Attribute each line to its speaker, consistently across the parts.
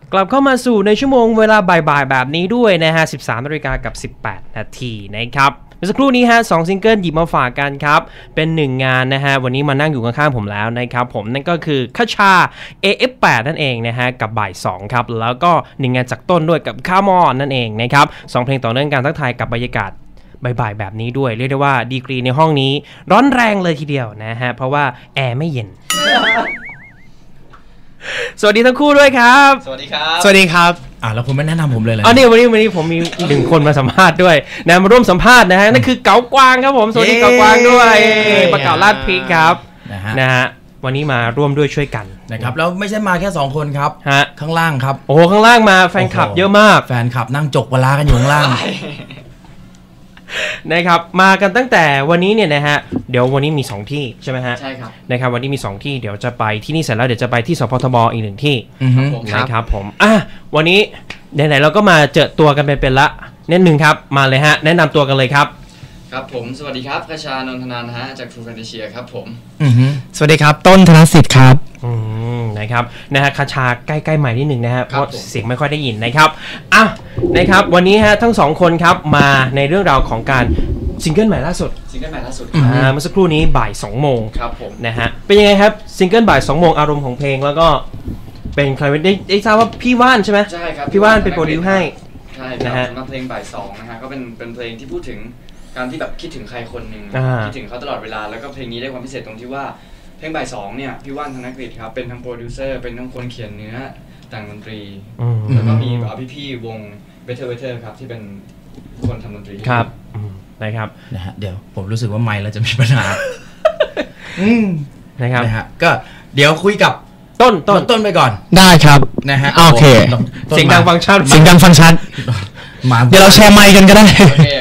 Speaker 1: กลับเข้ามาสู่ในชั่วโมงเวลาบ่ายๆแบบนี้ด้วยนะฮะ 13 นาฬิกากับ 18 นาทีนะครับเมื่อสักครู่นี้ฮะ2ซิงเกิลหยิบมาฝากกันครับเป็น1งานนะฮะวันนี้มานั่งอยู่ข้างๆผมแล้วนะครับผมนั่นก็คือคชา AF8 นั่นเองนะฮะกับบ่าย2ครับแล้วก็1งานจากต้นด้วยกับคามอนนั่นเองนะครับ2เพลงต่อเนื่องกันทักทายกับบรรยากาศบ่ายๆแบบนี้ด้วยเรียกได้ว่าดีกรีในห้องนี้ร้อนแรงเลยทีเดียวนะฮะเพราะว่าแอร์ไม่เย็น สวัสดีทั้งคู่ด้วยครับ
Speaker 2: สวัสดีครับ
Speaker 3: สวัสดีครับ
Speaker 2: แล้วคุณไม่แนะนำผมเลย
Speaker 1: นี่วันนี้ผมมีหนึ่งคนมาสัมภาษณ์ด้วยนะมาร่วมสัมภาษณ์นะฮะนั่นคือเก๋ากวางครับผมสวัสดีเก๋ากวางด้วยประกาศลาดพริกครับนะฮะวันนี้มาร่วมด้วยช่วยกัน
Speaker 2: นะครับแล้วไม่ใช่มาแค่2คนครับข้างล่างครับ
Speaker 1: โอ้ข้างล่างมาแฟนคลับเยอะมาก
Speaker 2: แฟนคลับนั่งจกเวลากันอยู่ข้างล่าง
Speaker 1: นะครับมากันตั้งแต่วันนี้เนี่ยนะฮะเดี๋ยววันนี้มี2ที่ใช่ไหมฮะ
Speaker 2: ใช่ครับ
Speaker 1: นะครับวันนี้มี2ที่เดี๋ยวจะไปที่นี่เสร็จแล้วเดี๋ยวจะไปที่สพทบอีก1ที่นะครับผมวันนี้ไหนๆเราก็มาเจอตัวกันไปเป็นละนิดนึงครับมาเลยฮะแนะนำตัวกันเลยครับ
Speaker 4: ครับผมสวัสดีครับคชานนทนานท์ฮะจาก True Fantasia ครับผม
Speaker 3: สวัสดีครับต้นธนสิทธิ์ครับ
Speaker 1: นะครับนะฮะคชาใกล้ๆใหม่นิดนึงนะฮะเพราะเสียงไม่ค่อยได้ยินนะครับนะครับวันนี้ฮะทั้ง2คนครับมาในเรื่องราวของการซิงเกิลใหม่ล่าสุดเมื่อสักครู่นี้บ่าย 2 โมง
Speaker 4: ครับผม
Speaker 1: นะฮะเป็นยังไงครับซิงเกิลบ่าย 2 โมงอารมณ์ของเพลงแล้วก็เป็นใครได้ทราบว่าพี่ว่านใช่ไหม
Speaker 4: ใช่ครับ
Speaker 1: พี่ว่านเป็นโปรดิวให้
Speaker 4: ใช่นะฮะสำหรับเพลงบ่าย 2นะฮะก็เป็นเพลงที่พูดถึงการที่แบบคิดถึงใครคนหนึ่งคิดถึงเขาตลอดเวลาแล้วก็เพลงนี้ได้ความพิเศษตรงที่ว่าเพลงบ่าย 2เนี่ยพี่ว่านธนกฤษครับเป็นทั้งโปรดิวเซอร์เป็นทั้งคนเขียนเนื้อแต่งดนตรีแล้วก็มีพี่ๆวง Better ครับที่เป็นคนทำดนตรี
Speaker 1: ครับนะครับ
Speaker 2: นะฮะเดี๋ยวผมรู้สึกว่าไมค์เราจะมีปัญหา
Speaker 1: นะครับ
Speaker 2: นะฮะก็เดี๋ยวคุยกับต้นไปก่อน
Speaker 3: ได้ครับ
Speaker 2: นะฮะ
Speaker 3: โอเค
Speaker 1: เสียงดังฟังชัด
Speaker 3: เดี๋ยวเราแชร์ไมค์กันก็ได้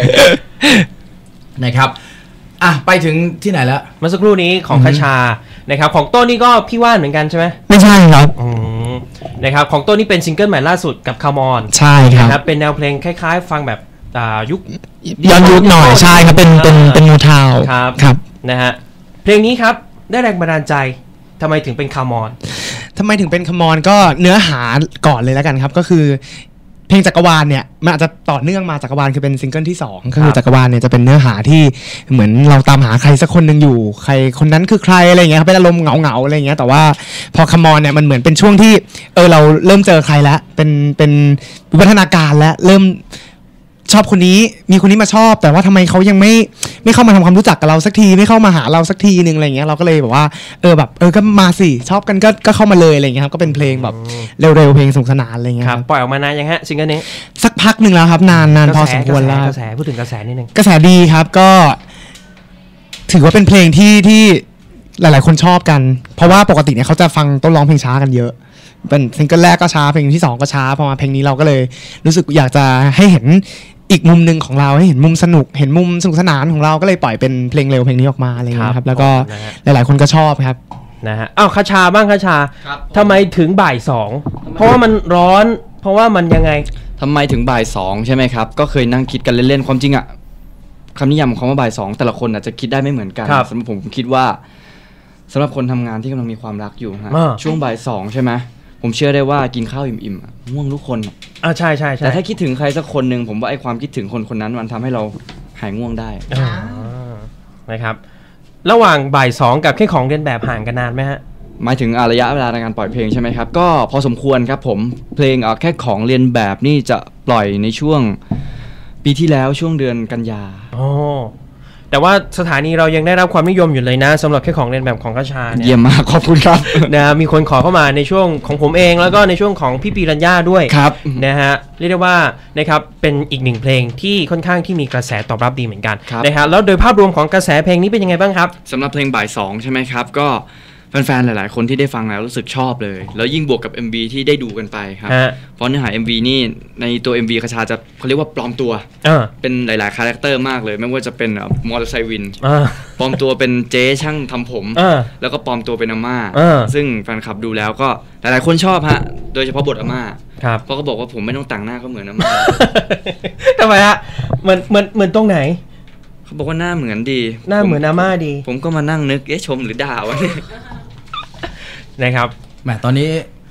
Speaker 2: นะครับไปถึงที่ไหนแล้ว
Speaker 1: เมื่อสักครู่นี้ของคชานะครับของต้นนี่ก็พี่ว่านเหมือนกันใช่ไหม
Speaker 3: ไม่ใช่ครับ
Speaker 1: นะครับของต้นนี่เป็นซิงเกิลใหม่ล่าสุดกับคามอน
Speaker 3: ใช่ครับ
Speaker 1: เป็นแนวเพลงคล้ายๆฟังแบบยุค
Speaker 3: ย้อนยุคหน่อยใช่ครับเป็นมูทาว
Speaker 1: ครับนะฮะเพลงนี้ครับได้แรงบันดาลใจทำไมถึงเป็นคามอน
Speaker 3: ก็เนื้อหาก่อนเลยแล้วกันครับก็คือเพลงจักรวาลเนี่ยมันอาจจะต่อเนื่องมาจักรวาลคือเป็นซิงเกิลที่2ก็คือจักรวาลเนี่ยจะเป็นเนื้อหาที่เหมือนเราตามหาใครสักคนนึงอยู่ใครคนนั้นคือใครอะไรอย่างเงี้ยเป็นอารมณ์เหงาๆอะไรอย่างเงี้ยแต่ว่าพอคัมออนเนี่ยมันเหมือนเป็นช่วงที่เราเริ่มเจอใครแล้วเป็นวิวัฒนาการแล้วเริ่มชอบคนนี้มีคนนี้มาชอบแต่ว่าทำไมเขายังไม่เข้ามาทำความรู้จักกับเราสักทีไม่เข้ามาหาเราสักทีนึงอะไรเงี้ยเราก็เลยแบบว่าก็มาสิชอบกันก็เข้ามาเลยอะไรเงี้ยครับก็เป็นเพลงแบบเร็วๆเพลงสนุกสนานอะไรเงี้ย
Speaker 1: ครับปล่อยออกมานานยังฮะซิงเกิลนี้
Speaker 3: สักพักนึงแล้วครับนานพอสมควรแล้ว
Speaker 1: กระแสพูดถึงกระแสนิดนึง
Speaker 3: กระแสดีครับก็ถือว่าเป็นเพลงที่หลายๆคนชอบกันเพราะว่าปกติเนี่ยเขาจะฟังต้นร้องเพลงช้ากันเยอะเป็นซิงเกิลแรกก็ช้าเพลงที่2ก็ช้าพอมาเพลงนี้เราก็เลยรู้สึกอยากจะให้เห็นอีกมุมหนึ่งของเราให้เห็นมุมสนุกเห็นมุมสนุกสนานของเราก็เลยปล่อยเป็นเพลงเร็วเพลงนี้ออกมาอะไรอย่างเงี้ยครับแล้วก็หลายๆคนก็ชอบครับ
Speaker 1: นะฮะคชาบ้างคชาทำไมถึงบ่าย 2เพราะว่ามันร้อนเพราะว่ามันยังไง
Speaker 4: ทำไมถึงบ่าย 2ใช่ไหมครับก็เคยนั่งคิดกันเล่นๆความจริงคำนิยามของคำว่าบ่าย 2แต่ละคนอาจจะคิดได้ไม่เหมือนกันสำหรับผมคิดว่าสำหรับคนทำงานที่กำลังมีความรักอยู่ฮะช่วงบ่าย 2ใช่ไหมผมเชื่อได้ว่ากินข้าวอิ่มๆง่วงทุกคน
Speaker 1: ใช่
Speaker 4: แต่ถ้าคิดถึงใครสักคนหนึ่งผมว่าไอ้ความคิดถึงคนคนนั้นมันทำให้เราหายง่วงได้
Speaker 1: นะครับระหว่างบ่าย 2กับแค่ของเรียนแบบห่างกันนานไหมฮะ
Speaker 4: หมายถึงระยะเวลาในการปล่อยเพลงใช่ไหมครับก็พอสมควรครับผมเพลงแค่ของเรียนแบบนี่จะปล่อยในช่วงปีที่แล้วช่วงเดือนกันยา
Speaker 1: แต่ว่าสถานีเรายังได้รับความนิยมอยู่เลยนะสำหรับแค่ของเรียนแบบของคชาเนี่ย
Speaker 4: เยี่ยมมากขอบคุณครับ
Speaker 1: นะมีคนขอเข้ามาในช่วงของผมเองแล้วก็ในช่วงของพี่ปีรัญญาด้วย
Speaker 4: ครับ
Speaker 1: นะฮะเรียกได้ว่านะครับเป็นอีก1เพลงที่ค่อนข้างที่มีกระแสตอบรับดีเหมือนกันนะฮะแล้วโดยภาพรวมของกระแสเพลงนี้เป็นยังไงบ้างครับ
Speaker 4: สำหรับเพลงบ่าย 2ใช่ไหมครับก็แฟนๆหลายๆคนที่ได้ฟังแล้วรู้สึกชอบเลยแล้วยิ่งบวกกับ MV ที่ได้ดูกันไปครับเพราะเนื้อหา MV นี่ในตัว MV คชาจะเขาเรียกว่าปลอมตัวเป็นหลายๆคาแรคเตอร์มากเลยไม่ว่าจะเป็นมอเตอร์ไซค์วินปลอมตัวเป็นเจ๊ช่างทำผมแล้วก็ปลอมตัวเป็นอาม่าซึ่งแฟนคลับดูแล้วก็หลายๆคนชอบฮะโดยเฉพาะบทอาม่าเพราะเขาบอกว่าผมไม่ต้องแต่งหน้าก็เหมือนอาม่า
Speaker 1: ทำไมฮะเหมือนตรงไหน
Speaker 4: เขาบอกว่าหน้าเหมือนดี
Speaker 1: หน้าเหมือนอาม่าดี
Speaker 4: ผมก็มานั่งนึกชมหรือด่าวะเนี่ย
Speaker 1: นะครับ
Speaker 2: แหมตอนนี้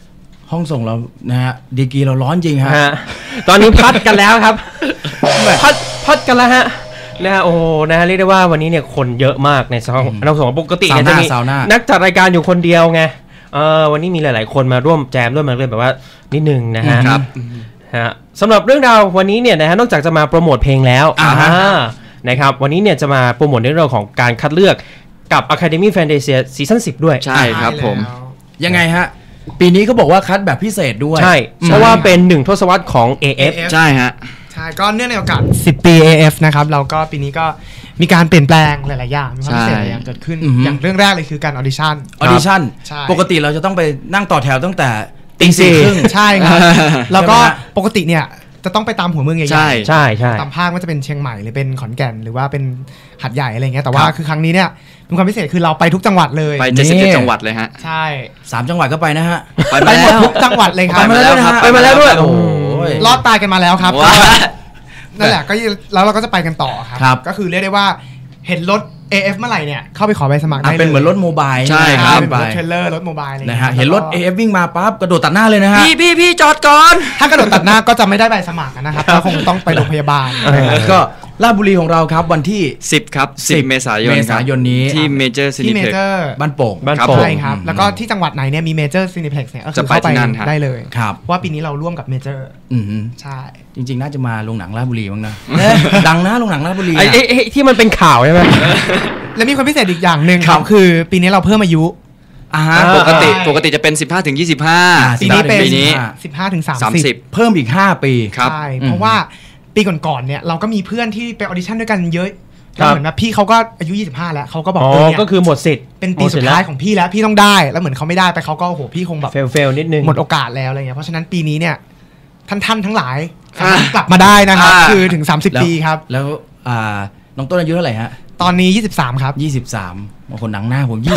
Speaker 2: ห้องส่งเรานะฮะดีกรีเราร้อนจริงฮะ
Speaker 1: ตอนนี้พัดกันแล้วครับ พัดกันแล้วฮะนะฮะโอ้นะฮะเรียกได้ว่าวันนี้เนี่ยคนเยอะมากในเราส่งปกติเนี่ยจะมีนักจัดรายการอยู่คนเดียวไงวันนี้มีหลายๆคนมาร่วมแจมด้วยมาเลยแบบว่านิดนึงนะฮะ
Speaker 2: ครับ
Speaker 1: สำหรับเรื่องราววันนี้เนี่ยนะฮะนอกจากจะมาโปรโมทเพลงแล้วนะครับวันนี้เนี่ยจะมาโปรโมทในเรื่องของการคัดเลือกกับ Academy Fantasia ซีซั่น10ด้วย
Speaker 4: ใช่ครับผม
Speaker 2: ยังไงฮะปีนี้ก็บอกว่าคัดแบบพิเศษด้วย
Speaker 1: ใช่เพราะว่าเป็น1ทศวรรษของ AF
Speaker 4: ใช่ฮะ
Speaker 3: ใช่ก็เนื่องในโอกาส10 ปี AF นะครับเราก็ปีนี้ก็มีการเปลี่ยนแปลงหลายๆอย่างมีความพิเศษหลายอย่างเกิดขึ้นอย่างเรื่องแรกเลยคือการออดิชั่น
Speaker 2: ปกติเราจะต้องไปนั่งต่อแถวตั้งแต่
Speaker 1: ตีสี่ครึ่ง
Speaker 3: ใช่ครับแล้วก็ปกติเนี่ยจะต้องไปตามหัวเมืองใหญ่
Speaker 1: ๆใช่
Speaker 3: ตามภาคว่าจะเป็นเชียงใหม่หรือเป็นขอนแก่นหรือว่าเป็นหัดใหญ่อะไรเงี้ยแต่ว่าคือครั้งนี้เนี่ยเป็นความพิเศษคือเราไปทุกจังหวัดเลย
Speaker 4: ไป77จังหวัดเลยฮะ
Speaker 3: ใช่
Speaker 2: 3จังหวัดก็ไปนะฮะ
Speaker 3: ไปหมดทุกจังหวัดเลยครับ
Speaker 2: ไปมาแล้วด้วยโอ้
Speaker 3: ยรอดตายกันมาแล้วครับนั่นแหละก็แล้วเราก็จะไปกันต่อครับก็คือเรียกได้ว่าเห็นรถ AF เมื่อไหร่เนี่ยเข้าไปขอใบสมัครได้
Speaker 2: เป็นเหมือนรถโมบาย
Speaker 4: ใช่ครับ
Speaker 3: เป็นรถเทรลเลอร์รถโมบาย
Speaker 2: นะฮะเห็นรถ AF วิ่งมาปั๊บกระโดดตัดหน้าเลยนะฮะ
Speaker 4: พี่จอดก่อน
Speaker 3: ถ้ากระโดดตัดหน้าก็จะไม่ได้ใบสมัครนะครับก็คงต้องไปโรงพยาบาล
Speaker 2: ก็ราชบุรีของเราครับวันที่
Speaker 4: 10ครับ10เมษาย
Speaker 2: นนี้
Speaker 4: ที่เมเจอร์ซินิเพ็ก
Speaker 2: บ้านโป่ง
Speaker 3: ใช่ครับแล้วก็ที่จังหวัดไหนเนี่ยมีเมเจอร์ซินิเพ็กเนี่ยก็คือเข้าไปได้เลยว่าปีนี้เราร่วมกับเมเจอร์ใช่
Speaker 2: จริงๆน่าจะมาโรงหนังราชบุรีบ้างนะดังนะโรงหนังราชบุรี
Speaker 1: ที่มันเป็นข่าวใช่ไหม
Speaker 3: แล้วมีความพิเศษอีกอย่างหนึ่งครับคือปีนี้เราเพิ่มอายุ
Speaker 4: ปกติจะเป็น15 ถึง 25
Speaker 3: ปีนี้เป็น15 ถึง 30
Speaker 2: เพิ่มอีก5ปี
Speaker 3: ใช่เพราะว่าปีก่อนๆเนี่ยเราก็มีเพื่อนที่ไปออดิชั่นด้วยกันเยอะแล้วเหมือนว่าพี่เขาก็อายุ25แล้วเขาก็บอก
Speaker 1: ก็คือหมดสิทธิ์
Speaker 3: เป็นปีสุดท้ายของพี่แล้วพี่ต้องได้แล้วเหมือนเขาไม่ได้ไปเขาก็โอ้โหพี่คงแบบ
Speaker 1: เฟลนิดนึง
Speaker 3: หมดโอกาสแล้วอะไรเงี้ยเพราะฉะนั้นปีนี้เนี่ยท่านทั้งหลายกลับมาได้นะครับคือถึง30ปีครับ
Speaker 2: แล้วน้องต้นอายุเท่าไหร่ฮะ
Speaker 3: ตอนนี้23ครับ
Speaker 2: 23บางคนหนังหน้าผม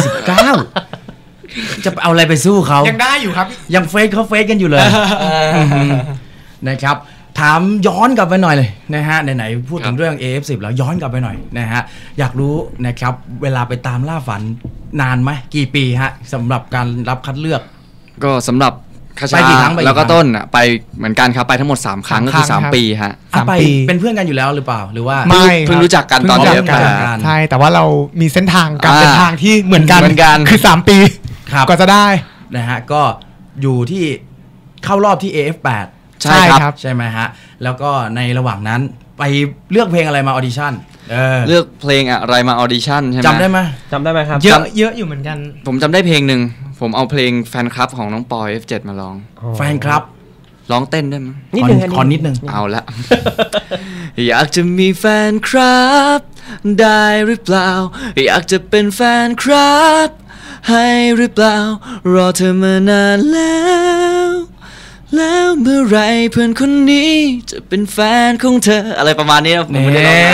Speaker 2: 29จะเอาอะไรไปสู้เขา
Speaker 3: ยังได้อยู่ครับ
Speaker 2: ยังเฟซกันอยู่เลยนะครับถามย้อนกลับไปหน่อยเลยนะฮะไหนๆพูดถึงเรื่อง AF10 แล้วย้อนกลับไปหน่อยนะฮะอยากรู้นะครับเวลาไปตามล่าฝันนานไหมกี่ปีฮะสำหรับการรับคัดเลือก
Speaker 4: ก็สำหรับคชาแล้วก็ต้นไปเหมือนกันครับไปทั้งหมด3ครั้งก็คือ3ปีฮะ
Speaker 2: ไปเป็นเพื่อนกันอยู่แล้วหรือเปล่าหรือว่า
Speaker 3: ไม่
Speaker 4: เพิ่งรู้จักกันตอนเดียวกัน
Speaker 3: ใช่แต่ว่าเรามีเส้นทางการเดินทางที่เหมือนกันคือ3ปีก็จะได้
Speaker 2: นะฮะก็อยู่ที่เข้ารอบที่ AF8
Speaker 3: ใช่ครับ
Speaker 2: ใช่ไหมฮะแล้วก็ในระหว่างนั้นไปเลือกเพลงอะไรมาออดิชั่น
Speaker 4: เลือกเพลงอะไรมาออดิชั่นใช่ไหม
Speaker 2: จำได้ไหม
Speaker 3: ครับเยอะอยู่เหมือนกัน
Speaker 4: ผมจำได้เพลงหนึ่งผมเอาเพลงแฟนคลับของน้องปอย F7 มาร้อง
Speaker 2: แฟนคลับ
Speaker 4: ร้องเต้นได้ไหม
Speaker 2: ขอนิดนึง
Speaker 4: เอาละอยากจะมีแฟนคลับได้หรือเปล่าอยากจะเป็นแฟนคลับให้หรือเปล่ารอเธอมานานแล้วเมื่อไรเพื่อนคนนี้จะเป็นแฟนของเธออะไรประมาณนี้ผมไม่ได้ร้อง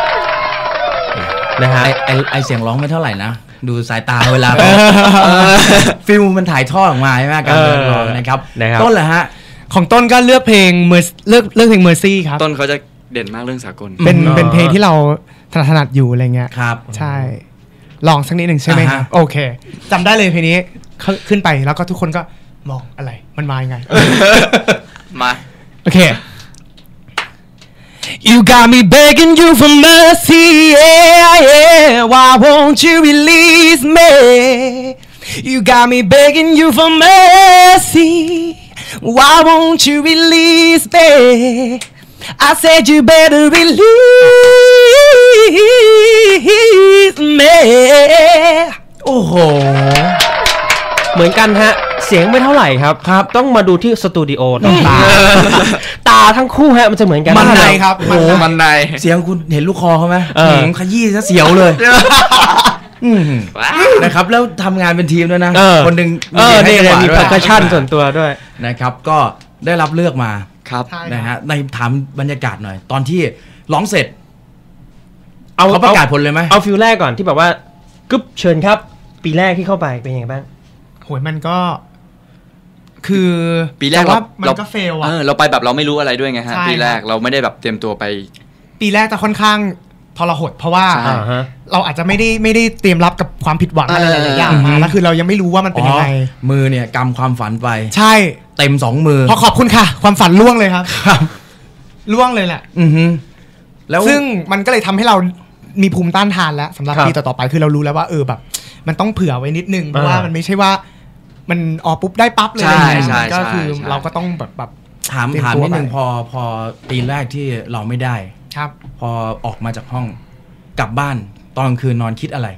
Speaker 2: นะฮะไอเสียงร้องไม่เท่าไหร่นะดูสายตาเวลาฟิลมันถ่ายทอดออกมาใช่ไหมการเดินร้องนะครับต้นเหรอฮะ
Speaker 3: ของต้นก็เลือกเพลงเลือกเพลง Mercy ครับ
Speaker 4: ต้นเขาจะเด่นมากเรื่องสากล
Speaker 3: เป็นเพลงที่เราถนัดอยู่อะไรเงี้ย
Speaker 2: ครับ
Speaker 3: ใช่ลองสักนิดหนึ่งใช่ไหมครับโอเคจำได้เลยเพลงนี้ขึ้นไปแล้วก็ทุกคนก็มองอะไรมันมายังไง
Speaker 4: มา
Speaker 3: โอเค You got me begging you for mercy yeah why won't you release me You got me begging you for mercy why won't you release me I said you better release me
Speaker 2: โอ้โห
Speaker 1: เหมือนกันฮะเสียงไม่เท่าไหร่ครับต้องมาดูที่สตูดิโอต้องตาทั้งคู่ฮะมันจะเหมือนกัน
Speaker 3: มันในครับ
Speaker 2: โอ้มันในเสียงคุณเห็นลูกคอเขาไหมขยี้ซะเสียวเลยนะครับแล้วทำงานเป็นทีมด้วยนะคนหนึ่ง
Speaker 1: มีเพอร์คัชชั่นส่วนตัวด้วย
Speaker 2: นะครับก็ได้รับเลือกมา
Speaker 4: ครับ
Speaker 2: นะฮะในถามบรรยากาศหน่อยตอนที่ร้องเสร็จเขาประกาศผลเลยไหม
Speaker 1: เอาฟิลแรกก่อนที่แบบว่ากึ๊บเชิญครับปีแรกที่เข้าไปเป็นยังไงบ้าง
Speaker 3: โหยมันก็คือ
Speaker 4: ปีแรก
Speaker 3: มันก็เฟลอะ
Speaker 4: เราไปแบบเราไม่รู้อะไรด้วยไงฮะปีแรกเราไม่ได้แบบเตรียมตัวไป
Speaker 3: ปีแรกจะค่อนข้างทรหดเพราะว่าเราอาจจะไม่ได้เตรียมรับกับความผิดหวังอะไรหลายๆอย่างมาแล้วคือเรายังไม่รู้ว่ามันเป็นยังไง
Speaker 2: มือเนี่ยกำความฝันไป
Speaker 3: ใช่
Speaker 2: เต็ม2มือ
Speaker 3: ขอบคุณค่ะความฝันล่วงเลยครับล่วงเลยแหละ
Speaker 2: แล้ว
Speaker 3: ซึ่งมันก็เลยทำให้เรามีภูมิต้านทานแล้วสำหรับปีต่อๆไปคือเรารู้แล้วว่าแบบมันต้องเผื่อไว้นิดนึงเพราะว่ามันไม่ใช่ว่ามันปุ๊บได้ปั๊บเลยก็คือเราก็ต้องแบบ
Speaker 2: ถามนิดนึงพอปีแรกที่เราไม่ได้
Speaker 3: ครับ
Speaker 2: พอออกมาจากห้องกลับบ้านตอนกลางคืนนอนคิดอะไร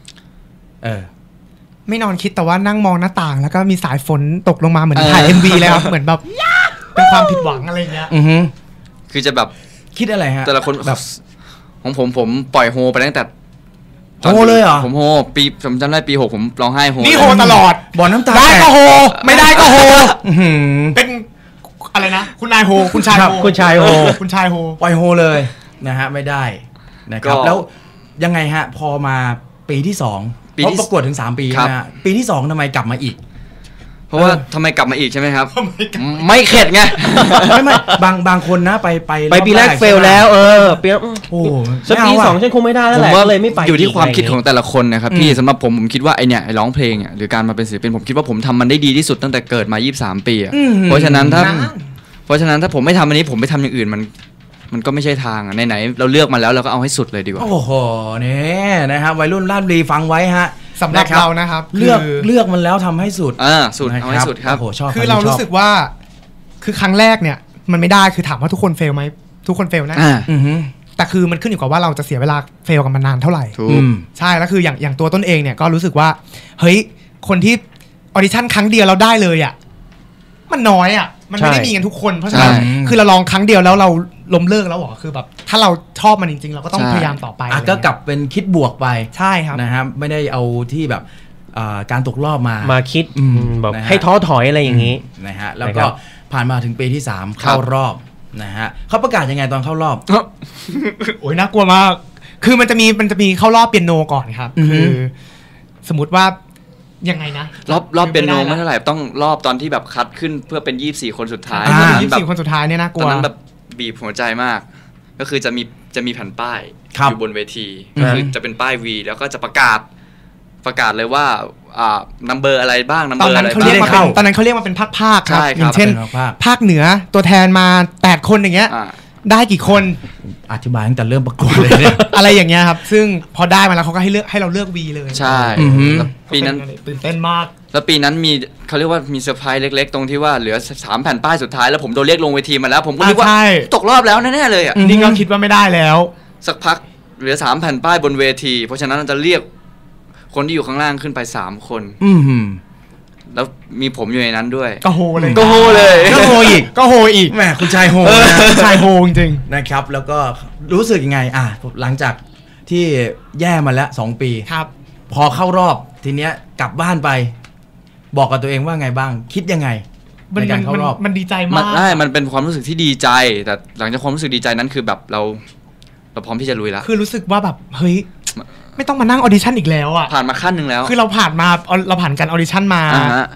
Speaker 3: ไม่นอนคิดแต่ว่านั่งมองหน้าต่างแล้วก็มีสายฝนตกลงมาเหมือนถ่าย MV เลยครับเหมือนแบบเป็นความผิดหวังอะไรเงี้ย
Speaker 4: คือจะแบบ
Speaker 2: คิดอะไรฮะ
Speaker 4: แต่ละคนแบบของผมปล่อยโฮไปตั้งแต่
Speaker 2: โฮเลยเหรอ
Speaker 4: ผมโฮปีผมจำได้ปี6ผมร้องไห้โฮ
Speaker 3: นี่โฮตลอด
Speaker 2: บ่อน้ำตา
Speaker 3: ได้ก็โฮไม่ได้ก็โฮเป็นอะไรนะคุณนายโฮคุณชายโฮ
Speaker 2: คุณชายโฮ
Speaker 3: คุณชายโฮ
Speaker 2: ปล่อยโฮเลยนะฮะไม่ได้นะครับแล้วยังไงฮะพอมาปีที่2เพราะประกวดถึง3ปีนะฮะปีที่2ทำไมกลับมาอีก
Speaker 4: เพราะว่าทำไมกลับมาอีกใช่ไหมครับไม่เข็ดไง
Speaker 2: ไม่บางคนนะไป
Speaker 1: ปีแรกเฟลแล้วปีโอ้สักปี2ฉันคงไม่ได้แล้วแหละเลยไม่ไป
Speaker 4: อยู่ที่ความคิดของแต่ละคนนะครับพี่สำหรับผมคิดว่าไอเนี่ยร้องเพลงหรือการมาเป็นศิลปินผมคิดว่าผมทำมันได้ดีที่สุดตั้งแต่เกิดมา23ปีเพราะฉะนั้นถ้าผมไม่ทำอันนี้ผมไปทำอย่างอื่นมันก็ไม่ใช่ทางไหนเราเลือกมาแล้วเราก็เอาให้สุดเลยดีกว่า
Speaker 2: โอ้โหนี่นะครับวัยรุ่นราชบุรีฟังไว้ฮะ
Speaker 3: สำหรับเรานะครับ
Speaker 2: เลือกมันแล้วทำให้สุด
Speaker 4: สุดเอาให้สุดครับ
Speaker 2: โอ้โหชอบ
Speaker 3: คือเรารู้สึกว่าคือครั้งแรกเนี่ยมันไม่ได้คือถามว่าทุกคนเฟลไหมทุกคนเฟลนะแต่คือมันขึ้นอยู่กับว่าเราจะเสียเวลาเฟลกันมานานเท่าไหร่ใช่แล้วคืออย่างตัวต้นเองเนี่ยก็รู้สึกว่าเฮ้ยคนที่ออดิชั่นครั้งเดียวเราได้เลยอ่ะมันน้อยอ่ะมันไม่ได้มีกันทุกคนเพราะฉะนั้นคือเราลองครั้งเดียวแล้วเราล้มเลิกแล้วหรอคือแบบถ้าเราชอบมันจริงๆเราก็ต้องพยายามต่อไป
Speaker 2: ก็กลับเป็นคิดบวกไป
Speaker 3: ใช่ครับ
Speaker 2: นะครับไม่ได้เอาที่แบบการตกรอบ
Speaker 1: มาคิดแบบให้ท้อถอยอะไรอย่างนี้
Speaker 2: นะฮะแล้วก็ผ่านมาถึงปีที่3เข้ารอบนะฮะเขาประกาศยังไงตอนเข้ารอบ
Speaker 3: โอ้ยน่ากลัวมากคือมันจะมีเข้ารอบเปียโนก่อนครับคือสมมติว่ายังไงนะ
Speaker 4: รอบเปียโนไม่เท่าไหร่ต้องรอบตอนที่แบบคัดขึ้นเพื่อเป็น24คนสุดท้าย
Speaker 3: 24คนสุดท้ายเนี่ยน่ากลัว
Speaker 4: ตอนนั้นแบบบีบหัวใจมากก็คือจะมีแผ่นป้ายอยู่บนเวทีก็คือจะเป็นป้าย V แล้วก็จะประกาศเลยว่านัมเบอร์อะไรบ้างนัมเบอร์อะไร
Speaker 3: ตอนนั้นเขาเรียกมาเป็นภาคครับอย่างเช่นภาคเหนือตัวแทนมา8คนอย่างเงี้ยได้กี่คน
Speaker 2: อธิบายตั้งแต่เริ่มประกวดเลยเนี่ย
Speaker 3: อะไรอย่างเงี้ยครับซึ่งพอได้มาแล้วเขาก็ให้เราเลือก V เลย
Speaker 4: ใช่ปีนั้น
Speaker 3: ตื่นเต้นมาก
Speaker 4: แล้วปีนั้นมีเขาเรียกว่ามีเซอร์ไพรส์เล็กๆตรงที่ว่าเหลือ3แผ่นป้ายสุดท้ายแล้วผมโดนเรียกลงเวทีมาแล้วผมก็คิดว่าตกรอบแล้วแน่ๆเลย
Speaker 3: นี่ก็คิดว่าไม่ได้แล้ว
Speaker 4: สักพักเหลือ3แผ่นป้ายบนเวทีเพราะฉะนั้นเราจะเรียกคนที่อยู่ข้างล่างขึ้นไป3คนแล้วมีผมอยู่ในนั้นด้วย
Speaker 3: ก็โฮเลย
Speaker 2: ก็โฮ
Speaker 3: อีก
Speaker 2: แหมคุณชายโฮ
Speaker 3: ชายโฮจริง
Speaker 2: นะครับแล้วก็รู้สึกยังไงหลังจากที่แย่มาแล้ว2ปี
Speaker 3: ครับ
Speaker 2: พอเข้ารอบทีเนี้ยกลับบ้านไปบอกกับตัวเองว่าไงบ้างคิดยังไงในการเข้ารอบ
Speaker 3: มันดีใจมาก
Speaker 4: มันเป็นความรู้สึกที่ดีใจแต่หลังจากความรู้สึกดีใจนั้นคือแบบเราพร้อมที่จะลุยแล้ว
Speaker 3: คือรู้สึกว่าแบบเฮ้ยไม่ต้องมานั่งออดิชั่นอีกแล้วอ่ะ
Speaker 4: ผ่านมาขั้นนึงแล้ว
Speaker 3: คือเราผ่านการออดิชั่นมา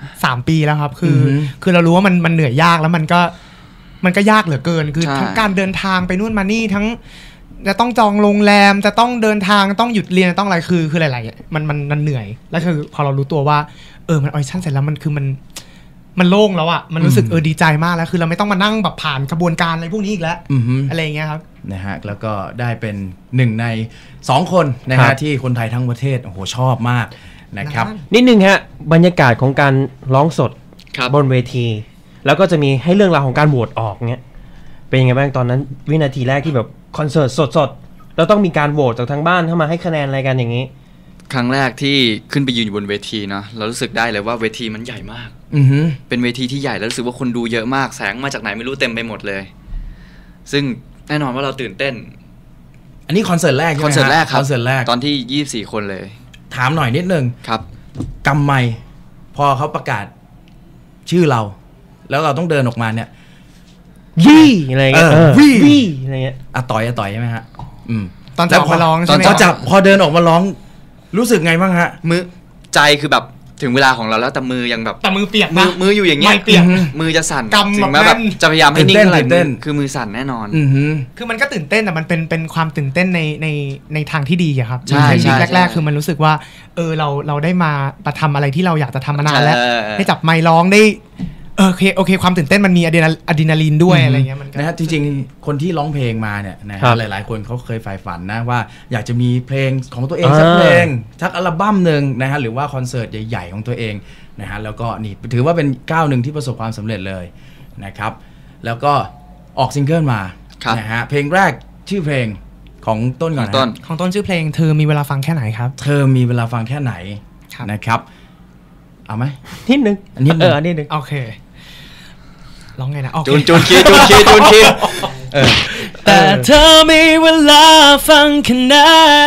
Speaker 3: 3ปีแล้วครับคือเรารู้ว่ามันเหนื่อยยากแล้วมันก็ยากเหลือเกินคือทั้งการเดินทางไปนู่นมานี่ทั้งจะต้องจองโรงแรมจะต้องเดินทางต้องหยุดเรียนต้องอะไรคือหลายๆมันเหนื่อยแล้วคือพอเรารู้ตัวว่ามันออดิชั่นเสร็จแล้วมันคือมันโล่งแล้วอ่ะมันรู้สึกดีใจมากแล้วคือเราไม่ต้องมานั่งแบบผ่านกระบวนการอะไรพวกนี้อีกแล้วอะไรอย่างเงี้ยครับ
Speaker 2: นะฮะแล้วก็ได้เป็น1ใน2คนนะฮะที่คนไทยทั้งประเทศโอ้โหชอบมากนะครับ
Speaker 1: นิดนึงฮะบรรยากาศของการร้องสดบนเวทีแล้วก็จะมีให้เรื่องราวของการโหวตออกเงี้ยเป็นยังไงบ้างตอนนั้นวินาทีแรกที่แบบคอนเสิร์ตสดๆแล้วต้องมีการโหวตจากทางบ้านเข้ามาให้คะแนนอะไรกันอย่างนี้
Speaker 4: ครั้งแรกที่ขึ้นไปยืนอยู่บนเวทีเนาะเรารู้สึกได้เลยว่าเวทีมันใหญ่มากเป็นเวทีที่ใหญ่แล้วรู้สึกว่าคนดูเยอะมากแสงมาจากไหนไม่รู้เต็มไปหมดเลยซึ่งแน่นอนว่าเราตื่นเต้น
Speaker 2: อันนี้คอนเสิร์ตแรก
Speaker 4: คอนเสิร์ตแรกครับ
Speaker 2: คอนเสิร์ตแรก
Speaker 4: ตอนที่24คนเลย
Speaker 2: ถามหน่อยนิดนึง
Speaker 4: ครับ
Speaker 2: กำไมพอเขาประกาศชื่อเราแล้วเราต้องเดินออกมาเนี่ย
Speaker 1: วี่อะไรเงี้ยวี่อะไรเงี้ย
Speaker 2: ต่อยใช่ไหมฮะ
Speaker 3: ตอนจับมาร้อง
Speaker 2: พอเดินออกมาร้องรู้สึกไงบ้างฮะ
Speaker 4: มือใจคือแบบถึงเวลาของเราแล้วแต่มือยังแบบ
Speaker 3: แต่มือเปียกนะ
Speaker 4: มืออยู่อย่างเงี้ยมือจะสั่นถึงแม้แบบจะพยายามให้นิ่งอะไรคือมือสั่นแน่นอน
Speaker 3: คือมันก็ตื่นเต้นแต่มันเป็นความตื่นเต้นในทางที่ดีอะครับ
Speaker 4: ใช่ใช่
Speaker 3: แรกๆคือมันรู้สึกว่าเราได้มาทำอะไรที่เราอยากจะทำมานานแล้วได้จับไมค์ร้องได้โอเคความตื่นเต้นมันมีอะดรีนาลีนด้วยอะไรเงี้ยมัน
Speaker 2: นะฮะจริงๆคนที่ร้องเพลงมาเนี่ยนะหลายๆคนเขาเคยใฝ่ฝันนะว่าอยากจะมีเพลงของตัวเองสักเพลงสักอัลบั้มหนึ่งนะฮะหรือว่าคอนเสิร์ตใหญ่ๆของตัวเองนะฮะแล้วก็นี่ถือว่าเป็นก้าวหนึ่งที่ประสบความสำเร็จเลยนะครับแล้วก็ออกซิงเกิลมานะฮะเพลงแรกชื่อเพลงของต้นก่อนนะ
Speaker 3: ของต้นชื่อเพลงเธอมีเวลาฟังแค่ไหนครับ
Speaker 2: เธอมีเวลาฟังแค่ไหนนะครับเอาไหม
Speaker 1: นิดนึง
Speaker 2: นิด
Speaker 1: นึง
Speaker 3: โอเคร้องไงนะ
Speaker 4: จูนคีย์
Speaker 3: แต่เธอมีเวลาฟังแค่ไหน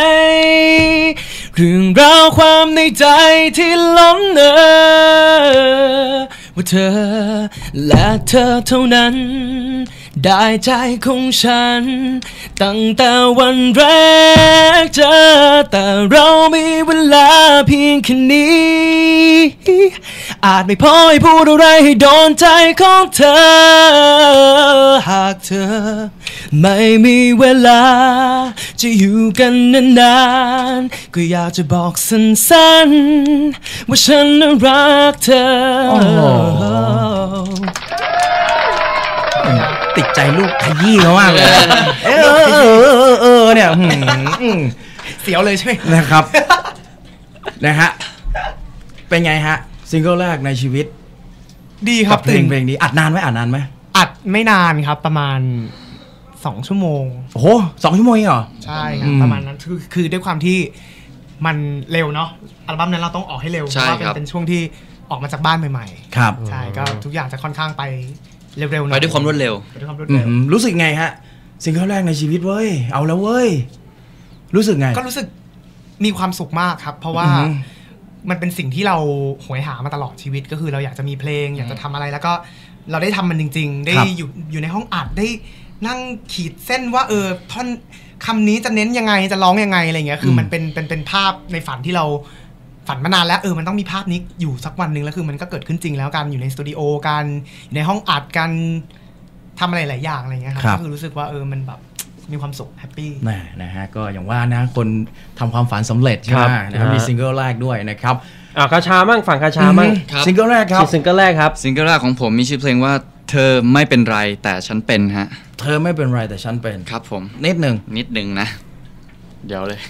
Speaker 3: เรื่องราวความในใจที่ล้นเอ่อว่าเธอและเธอเท่านั้นได้ใจของฉันตั้งแต่วันแรกเจอแต่เรามีเวลาเพียงแค่นี้อาจไม่พอให้พูดอะไรให้โดนใจของเธอหากเธอไม่มีเวลาจะอยู่กันนานๆก็อยากจะบอกสั้นๆว่าฉันน่ะรักเธอ
Speaker 2: ติดใจลูกขยี้เขามากเลยเนี่ย
Speaker 3: เสียวเลยใช่ไหม
Speaker 2: นะครับนะฮะเป็นไงฮะซิงเกิลแรกในชีวิต
Speaker 3: ดีครับ
Speaker 2: เพลงนี้อัดนานไหม
Speaker 3: อัดไม่นานครับประมาณ2 ชั่วโมง
Speaker 2: โอ้โห2 ชั่วโมงเหรอ
Speaker 3: ใช่ครับประมาณนั้นคือด้วยความที่มันเร็วเนาะอัลบั้มนั้นเราต้องออกให้เร็วเพราะว่าเป็นช่วงที่ออกมาจากบ้านใหม่
Speaker 2: ๆครับ
Speaker 3: ใช่ก็ทุกอย่างจะค่อนข้างไปเร็วๆ
Speaker 4: ไปด้วยความรวดเร็ว
Speaker 2: รู้สึกไงฮะซิงเกิลแรกในชีวิตเว้ยเอาแล้วเว้ยรู้สึกไง
Speaker 3: ก็รู้สึกมีความสุขมากครับเพราะว่ามันเป็นสิ่งที่เราโหยหามาตลอดชีวิตก็คือเราอยากจะมีเพลงอยากจะทำอะไรแล้วก็เราได้ทำมันจริงๆได้อยู่ในห้องอัดได้นั่งขีดเส้นว่าท่อนคำนี้จะเน้นยังไงจะร้องยังไงอะไรเงี้ยคือมันเป็นภาพในฝันที่เราฝันมานานแล้วมันต้องมีภาพนี้อยู่สักวันหนึ่งแล้วคือมันก็เกิดขึ้นจริงแล้วการอยู่ในสตูดิโอการอยู่ในห้องอัดการทำอะไรหลายอย่างอะไรเงี้ยครับก็คือรู้สึกว่ามันแบบมีความสุขแฮปปี้
Speaker 2: นะฮะก็อย่างว่านะคนทำความฝันสำเร็จใช่ไหมนะครับมีซิงเกิลแรกด้วยนะครับ
Speaker 1: คาชามั่งฝั่งคาชามั่ง
Speaker 2: ซิงเกิลแรกครับ
Speaker 1: ซิงเกิลแรกครับ
Speaker 4: ซิงเกิลแรกของผมมีชื่อเพลงว่าเธอไม่เป็นไรแต่ฉันเป็นฮะ
Speaker 2: เธอไม่เป็นไรแต่ฉันเป็น
Speaker 4: ครับผม
Speaker 2: นิดนึงนะ
Speaker 4: เดี๋ยวเลย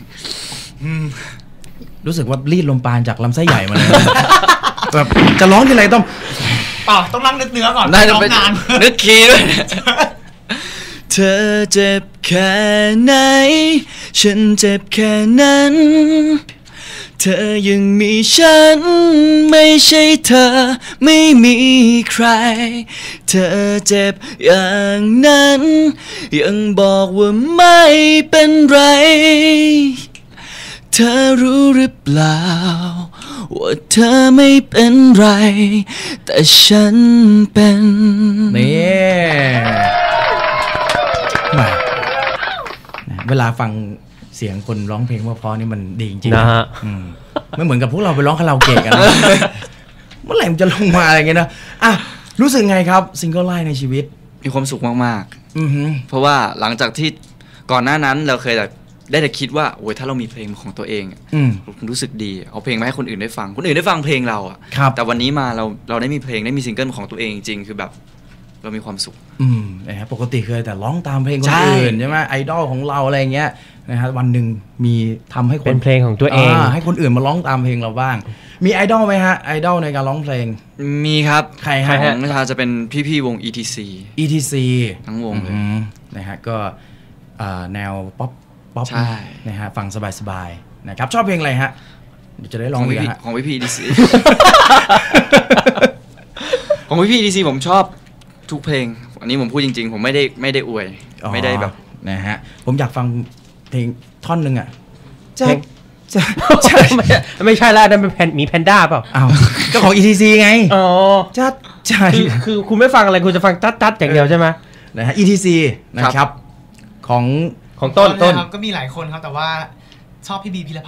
Speaker 2: รู้สึกว่ารีดลมปราณจากลำไส้ใหญ่มาเลยแบบจะร้องที่ไร
Speaker 3: ต้องนั่งนึกเนื้อก่อน
Speaker 4: ได้ร้องนานนึกคีย์ด้วยเธอเจ็บแค่ไหนฉันเจ็บแค่นั้นเธอยังมีฉันไม่ใช่เธอไม่มีใครเธอเจ็บอย่างนั้นยังบอกว่าไม่เป็นไรเธอรู้หรือเปล่าว่าเธอไม่เป็นไรแต่ฉันเป็น
Speaker 2: นี่เวลาฟังเสียงคนร้องเพลงว่าเพราะนี่มันดีจริงๆนะฮะไม่เหมือนกับพวกเราไปร้องคาราโอเกะกันเมื่อไหร่มันจะลงมาอะไรเงี้ยนะรู้สึกไงครับซิงเกิลแรกในชีวิต
Speaker 4: มีความสุขมากๆเพราะว่าหลังจากที่ก่อนหน้านั้นเราเคยได้แต่คิดว่าโอ้ยถ้าเรามีเพลงของตัวเองรู้สึกดีเอาเพลงมาให้คนอื่นได้ฟังคนอื่นได้ฟังเพลงเราอ่ะแต่วันนี้มาเราได้มีเพลงได้มีซิงเกิลของตัวเองจริงคือแบบเรามีความสุข
Speaker 2: นะครับปกติเคยแต่ร้องตามเพลงคนอื่นใช่ไหมไอดอลของเราอะไรเงี้ยนะฮะวันหนึ่งมีทำให้คน
Speaker 1: เป็นเพลงของตัวเอง
Speaker 2: ให้คนอื่นมาร้องตามเพลงเราบ้างมีไอดอลไหมฮะไอดอลในการร้องเพลง
Speaker 4: มีครับ
Speaker 2: ใครฮะ
Speaker 4: ของนัชชาจะเป็นพี่วง ETC
Speaker 2: ทั้งวงเลยนะฮะก็แนวป๊อปนะฮะฟังสบายๆนะครับชอบเพลงอะไรฮะเดี๋ยวจะได้ร้อง
Speaker 4: ของพี่ ETC ของพี่ ETC ผมชอบทุกเพลงอันนี้ผมพูดจริงๆผมไม่ได้อวยไม่ได้แบบ
Speaker 2: นะฮะผมอยากฟังเพลงท่อนนึงอ่ะ
Speaker 1: เพลงไม่ใช่แล้วนั่นเป็นมีแพนด้าเปล่า
Speaker 2: อ้าวก็ของ ETC ไง
Speaker 1: อ๋อ
Speaker 2: จัดใช่
Speaker 1: คือคุณไม่ฟังอะไรคุณจะฟังจัดอย่างเดียวใช่ไหม
Speaker 2: นะฮะ ETC นะครับของ
Speaker 3: ต้นก็มีหลายคนครับแต่ว่าชอบพี่บีพิรพัฒน์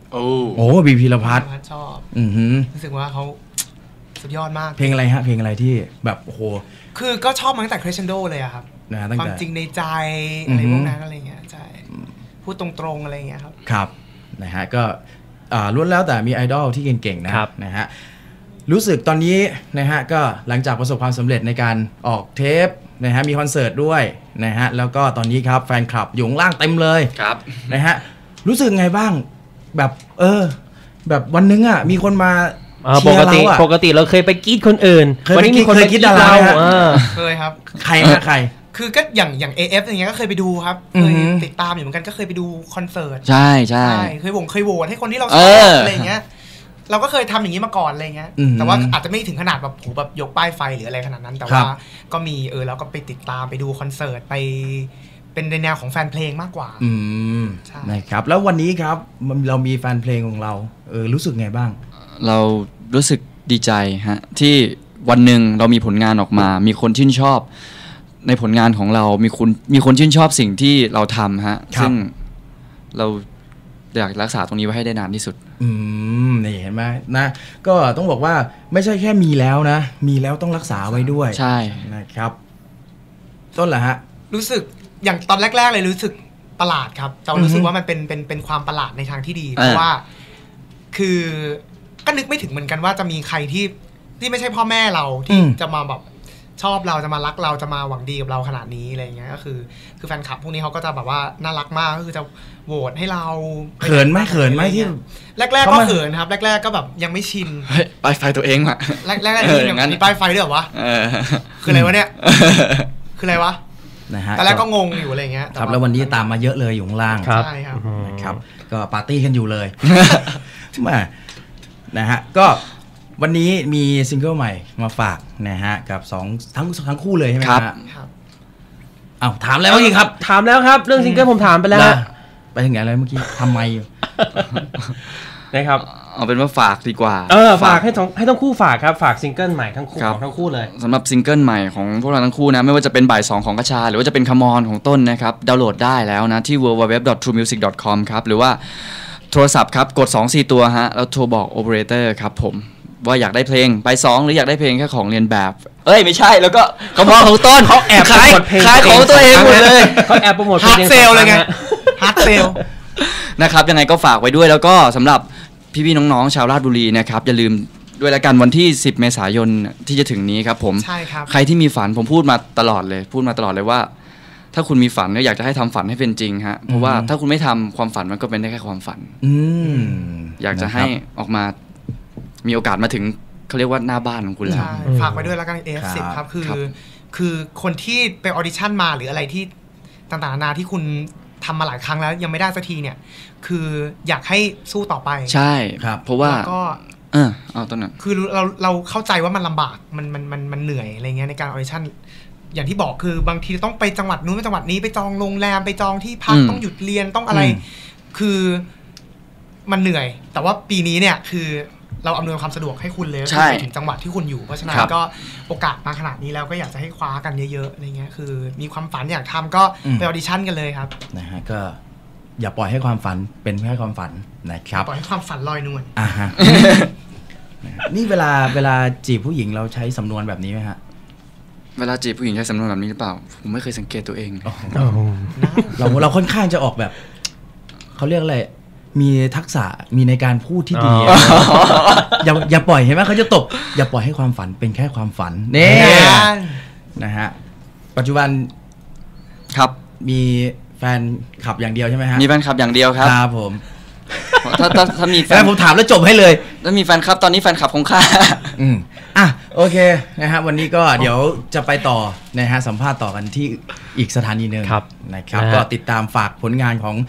Speaker 4: โ
Speaker 2: อ้บีพีรพัฒน์
Speaker 5: ชอบรู้สึกว่าเขาสุดยอดมาก
Speaker 2: เพลงอะไรฮะเพลงอะไรที่แบบโอ้โห
Speaker 5: คือก็ชอบมาตั้งแต่ Crescendo เลยอะครับความจริงในใจอะไรพวกนั้นอะไรเงี้ยใช่พูดตรงๆอะไรเงี้ยครับ
Speaker 2: ครับนะฮะก็ล้วนแล้วแต่มีไอดอลที่เก่งๆนะฮะรู้สึกตอนนี้นะฮะก็หลังจากประสบความสำเร็จในการออกเทปนะฮะมีคอนเสิร์ตด้วยนะฮะแล้วก็ตอนนี้ครับแฟนคลับอยู่ข้างล่างเต็มเลย
Speaker 4: ครับ
Speaker 2: นะฮะรู้สึกไงบ้างแบบแบบวันนึงอ่ะมีคนมา
Speaker 1: ปกติเราเคยไปกรีดคนอื่น
Speaker 2: วันนี้มีคนไปกรีดดารา
Speaker 5: เคยครับ
Speaker 2: ใครฮะใคร
Speaker 5: คือก็อย่าง AF อย่างเงี้ยก็เคยไปดูครับเคยติดตามอยู่เหมือนกันก็เคยไปดูคอนเสิร์ต
Speaker 4: ใช่
Speaker 5: เคยโหวตให้คนที่เราชอบอะไรเงี้ยเราก็เคยทำอย่างนี้มาก่อนอะไรเงี้ยแต่ว่าอาจจะไม่ถึงขนาดแบบแบบยกป้ายไฟหรืออะไรขนาดนั้นแต่ว่าก็มีเราก็ไปติดตามไปดูคอนเสิร์ตไปเป็นในแนวของแฟนเพลงมากกว่า
Speaker 2: นะครับแล้ววันนี้ครับเรามีแฟนเพลงของเรารู้สึกไงบ้าง
Speaker 4: เรารู้สึกดีใจฮะที่วันหนึ่งเรามีผลงานออกมามีคนชื่นชอบในผลงานของเรามีคนชื่นชอบสิ่งที่เราทำฮะซึ่งเราอยากรักษาตรงนี้ไว้ให้ได้นานที่สุด
Speaker 2: นี่เห็นไหมนะก็ต้องบอกว่าไม่ใช่แค่มีแล้วนะมีแล้วต้องรักษาไว้ด้วย
Speaker 4: ใช่
Speaker 2: นะครับต้นเหรอฮะ
Speaker 5: รู้สึกอย่างตอนแรกๆเลยรู้สึกประหลาดครับแต่รู้สึกว่ามันเป็นความประหลาดในทางที่ดีเพราะว่าคือก็นึกไม่ถึงเหมือนกันว่าจะมีใครที่ไม่ใช่พ่อแม่เราที่จะมาแบบชอบเราจะมารักเราจะมาหวังดีกับเราขนาดนี้อะไรเงี้ยก็คือแฟนคลับพวกนี้เขาก็จะแบบว่าน่ารักมากก็คือจะโหวตให้เรา
Speaker 2: เขินไหมที่
Speaker 5: แรกๆก็เขินครับแรกๆก็แบบยังไม่ชิน
Speaker 4: ป้ายไฟตัวเองอะ
Speaker 5: แรกๆยังมีป้ายไฟด้วยเหรอวะคืออะไรวะเนี่ยคืออะไรวะ
Speaker 2: นะฮะ
Speaker 5: แต่แรกก็งงอยู่อะไรเงี้ย
Speaker 2: ครับแล้ววันนี้ตามมาเยอะเลยอยู่ข้างล่าง
Speaker 5: ใช่ครับ
Speaker 2: นะครับก็ปาร์ตี้กันอยู่เลยมานะฮะก็วันนี้มีซิงเกิลใหม่มาฝากนะฮะกับทั้งคู่เลยใช่ไหมครับถามแล้วเมื่อกี้ครับ
Speaker 1: ถามแล้วครับเรื่องซิงเกิลผมถามไปแล้ว
Speaker 2: ไปถึงไหนเลยเมื่อกี้ทำไมอยู่
Speaker 1: นะครับ
Speaker 4: เอาเป็นว่าฝากดีกว่า
Speaker 1: ฝากให้ทั้งคู่ฝากครับฝากซิงเกิลใหม่ทั้งคู่ของทั้งคู่เลย
Speaker 4: สำหรับซิงเกิลใหม่ของพวกเราทั้งคู่นะไม่ว่าจะเป็นบ่าย2ของกระชาหรือว่าจะเป็นคมอนของต้นนะครับดาวน์โหลดได้แล้วนะที่ www.truemusic.com ครับหรือว่าโทรศัพท์ครับกด 2-4 ตัวฮะแล้วโทรบอกโอเปอเรเตอร์ครับผมว่าอยากได้เพลงไป2หรืออยากได้เพลงแค่ของเรียนแบบไม่ใช่แล้วก็คมอนของต้น
Speaker 1: เขาแอบ
Speaker 4: ขายของตัวเองหมดเลย
Speaker 1: เขาแอบโปรโมทเพลง
Speaker 5: ฮาร์ดเซลเลยไงฮาร์ดเซล
Speaker 4: นะครับยังไงก็ฝากไว้ด้วยแล้วก็สำหรับพี่ๆน้องๆชาวราชบุรีนะครับอย่าลืมด้วยละกันวันที่10เมษายนที่จะถึงนี้ครับผม
Speaker 5: ใช่ครับ
Speaker 4: ใครที่มีฝันผมพูดมาตลอดเลยว่าถ้าคุณมีฝันก็อยากจะให้ทำฝันให้เป็นจริงฮะเพราะว่าถ้าคุณไม่ทำความฝันมันก็เป็นได้แค่ความฝันอยากจะให้ออกมามีโอกาสมาถึงเขาเรียกว่าหน้าบ้านของคุณแล้ว
Speaker 5: ฝากไว้ด้วยแล้วกัน F10 ครับคือคนที่ไปออดิชั่นมาหรืออะไรที่ต่างๆนานาที่คุณทำมาหลายครั้งแล้วยังไม่ได้สักทีเนี่ยคืออยากให้สู้ต่อไป
Speaker 4: ใช่ครับเพราะว่า
Speaker 5: ก็
Speaker 4: เอาต้นนั้น
Speaker 5: คือเราเข้าใจว่ามันลำบากมันเหนื่อยอะไรเงี้ยในการออดิชั่นอย่างที่บอกคือบางทีต้องไปจังหวัดนู้นไปจังหวัดนี้ไปจองโรงแรมไปจองที่พักต้องหยุดเรียนต้องอะไรคือมันเหนื่อยแต่ว่าปีนี้เนี่ยคือเราอำนวยความสะดวกให้คุณเลยไปถึงจังหวัดที่คุณอยู่เพราะฉะนั้นก็โอกาสมาขนาดนี้แล้วก็อยากจะให้คว้ากันเยอะๆอะไรเงี้ยคือมีความฝันอยากทำก็ไปออดิชั่นกันเลยครับ
Speaker 2: นะฮะก็อย่าปล่อยให้ความฝันเป็นแค่ความฝันนะครับ
Speaker 5: ปล่อยให้ความฝันลอยนวล
Speaker 2: ฮะนี่เวลาจีบผู้หญิงเราใช้สำนวนแบบนี้ไหมฮะ
Speaker 4: เวลาจีบผู้หญิงใช้สำนวนแบบนี้หรือเปล่าผมไม่เคยสังเกตตัวเอง
Speaker 2: เราค่อนข้างจะออกแบบเขาเรียกอะไรมีทักษะมีในการพูดที่ดีอย่าปล่อยเห็นไหมเขาจะตบอย่าปล่อยให้ความฝันเป็นแค่ความฝันนี่นะฮะปัจจุบัน
Speaker 4: ครับ
Speaker 2: มีแฟนคลับอย่างเดียวใช่ไหมฮะ
Speaker 4: มีแฟนคลับอย่างเดียวครับ
Speaker 2: ครับผม
Speaker 4: ถ้ามีแฟ
Speaker 2: นผมถามแล้วจบให้เลย
Speaker 4: ถ้ามีแฟนคลับตอนนี้แฟนคลับของข้า
Speaker 2: โอเคนะฮะวันนี้ก็เดี๋ยวจะไปต่อนะฮะสัมภาษณ์ต่อกันที่อีกสถานีนึงนะครับก็ติดตามฝากผลงานของ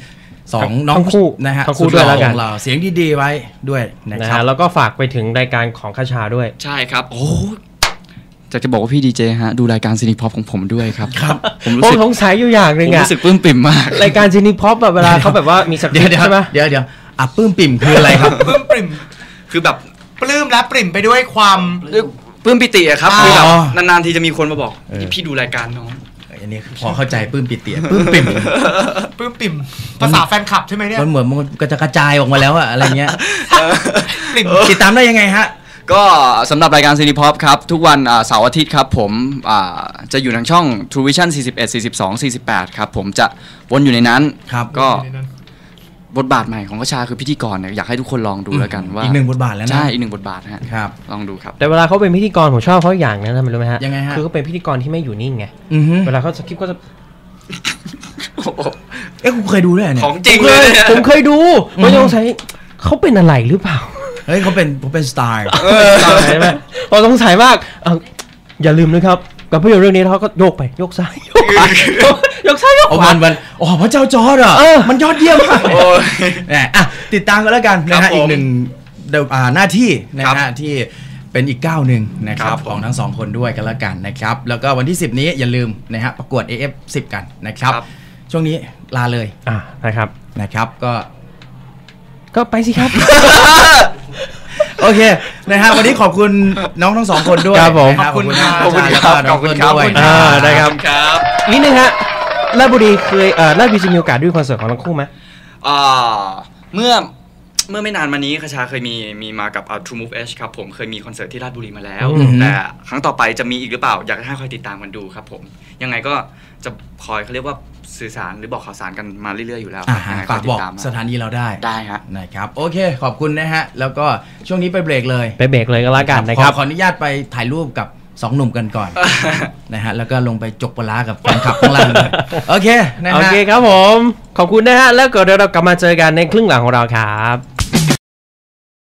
Speaker 2: 2น้องคู่นะฮะ
Speaker 1: ทั้งคู่ด้วยแล้วกัน
Speaker 2: เราเสียงดีๆไว้ด้วยนะครับ
Speaker 1: แล้วก็ฝากไปถึงรายการของคชาด้วย
Speaker 4: ใช่ครับโอ้จะบอกว่าพี่ดีเจฮะดูรายการซินิพ็อปของผมด้วยครับ
Speaker 1: ผมสงสัยอยู่อย่างนึง
Speaker 4: รู้สึกปลื้มปิ่มมาก
Speaker 1: รายการซินิพ็อปแบบเวลาเขาแบบว่ามีสักใช่ไหม
Speaker 2: เดี๋ยวปลื้มปิ่มคืออะไรครับ
Speaker 5: ปลื้มปิ่ม
Speaker 4: คือแบบ
Speaker 5: ปลื้มและปริ่มไปด้วยความ
Speaker 4: ปลื้มปิติอะครับคือแบบนานๆทีจะมีคนมาบอกพี่ดูรายการน้อง
Speaker 2: อันนี้พอเข้าใจปื้มปิเตียปื้มปิ่ม
Speaker 5: ปลื้มปิ่มภาษาแฟนคลับใช่ไหมเนี่ย
Speaker 2: มันเหมือนมันก็จะกระจายออกมาแล้วอะอะไรเงี้ย
Speaker 5: ปริ่ม
Speaker 2: ติดตามได้ยังไงฮะ
Speaker 4: ก็สำหรับรายการซีนีพ็อปครับทุกวันเสาร์อาทิตย์ครับผมจะอยู่ทางช่อง True Vision 41 42 48ครับผมจะวนอยู่ในนั้น
Speaker 2: ครับ
Speaker 4: ก็บทบาทใหม่ของกระชาคือพิธีกรเนี่ยอยากให้ทุกคนลองดูแล้วกันว่า
Speaker 2: อีกหนึ่งบทบาทแล้วนะ
Speaker 4: ใช่อีกหนึ่งบทบาทฮะ
Speaker 2: ครับ
Speaker 4: ลองดูครับ
Speaker 1: แต่เวลาเขาเป็นพิธีกรผมชอบเขาอย่างนะทำไมรู้ไหมฮะ
Speaker 2: ยังไงฮะ
Speaker 1: คือเขาเป็นพิธีกรที่ไม่อยู่นิ่งไง
Speaker 2: อือฮึ
Speaker 1: เวลาเขาสคริปต์ก็จะ
Speaker 2: เอ๊ะคุณเคยดูด้วยเนี่ย
Speaker 4: ของจริงเลยเนี่ย
Speaker 1: ผมเคยดูผมสงสัยเขาเป็นอะไรหรือเปล่า
Speaker 2: เฮ้ยเขาเป็นสไตล์
Speaker 1: ใช่ไหมผมสงสัยมากอย่าลืมนะครับกับภาพยนตร์เรื่องนี้เขาก็โยกไปโยกซ้ายโยกขวายกซ้ายยก
Speaker 2: โอ้
Speaker 1: ขวา
Speaker 2: มันอ๋อพระเจ้าจอร์ดอ่ะ
Speaker 1: เออ
Speaker 2: มันยอดเยี่ยมมาก
Speaker 4: โอ้ย
Speaker 2: เนี่ยอ่ะติดตามกันแล้วกันนะ
Speaker 4: ครั
Speaker 2: ฮะ
Speaker 4: บผม
Speaker 2: อีกหนึ่งหน้าที่นะ
Speaker 4: ครั
Speaker 2: ฮะ
Speaker 4: บ
Speaker 2: ที่เป็นอีกก้าวหนึ่งนะค
Speaker 4: ครั
Speaker 2: รับบ
Speaker 4: ผม
Speaker 2: ของทั้งสองคนด้วยกันแล้วกันนะครับแล้วก็วันที่ 10 นี้อย่าลืมนะฮะประกวด AF10 กันนะครับ
Speaker 4: ครับ
Speaker 2: ช่วงนี้ลาเลย
Speaker 1: นะครับ
Speaker 2: นะครับก็
Speaker 1: ไปสิครับ
Speaker 2: โอเคนะฮะวันนี้ขอบคุณน้องทั้งสองคนด้วย
Speaker 1: ครับผม
Speaker 2: นะฮะ
Speaker 5: ขอบคุณครับ
Speaker 2: ขอบคุณครับขอบคุณครับ
Speaker 1: ได้ครับ
Speaker 4: ครับ
Speaker 1: นิดนึงฮะราชบุรีเคยราชบุรีจะมีโอกาสด้วยคอนเสิร์ตของทั้งคู่ไหม
Speaker 4: เมื่อไม่นานมานี้คชาเคยมีมากับTrue Move H ครับผมเคยมีคอนเสิร์ตที่ราชบุรีมาแล้ว
Speaker 2: อือฮึ
Speaker 4: แต่ครั้งต่อไปจะมีอีกหรือเปล่าอยากให้คอยติดตามกันดูครับผมยังไงก็จะคอยเขาเรียกว่าสื่อสารหรือบอกข่าวสารกันมาเรื่อยๆอยู่แล้ว
Speaker 2: ฮะ
Speaker 4: ยังไง
Speaker 2: ฝากบอก
Speaker 4: ติดตม
Speaker 2: สถานีเราได้
Speaker 4: ได้ฮะ
Speaker 2: นะครับโอเคขอบคุณนะฮะแล้วก็ช่วงนี้ไปเบรกเลย
Speaker 1: ไปเบรกเลยก็แล้วกันนะครับ
Speaker 2: ขออนุญาตไปถ่ายรูปกับสองหนุ่มกันก่อน นะฮะแล้วก็ลงไปจกปลาร้ากับแฟนคลับข้างล่างเลยโอเคนะฮะ
Speaker 1: โอเคครับผมขอบคุณนะฮะแล้วก็เดี๋ยวเรากลับมาเจอกันในครึ่งหลังของเราครับ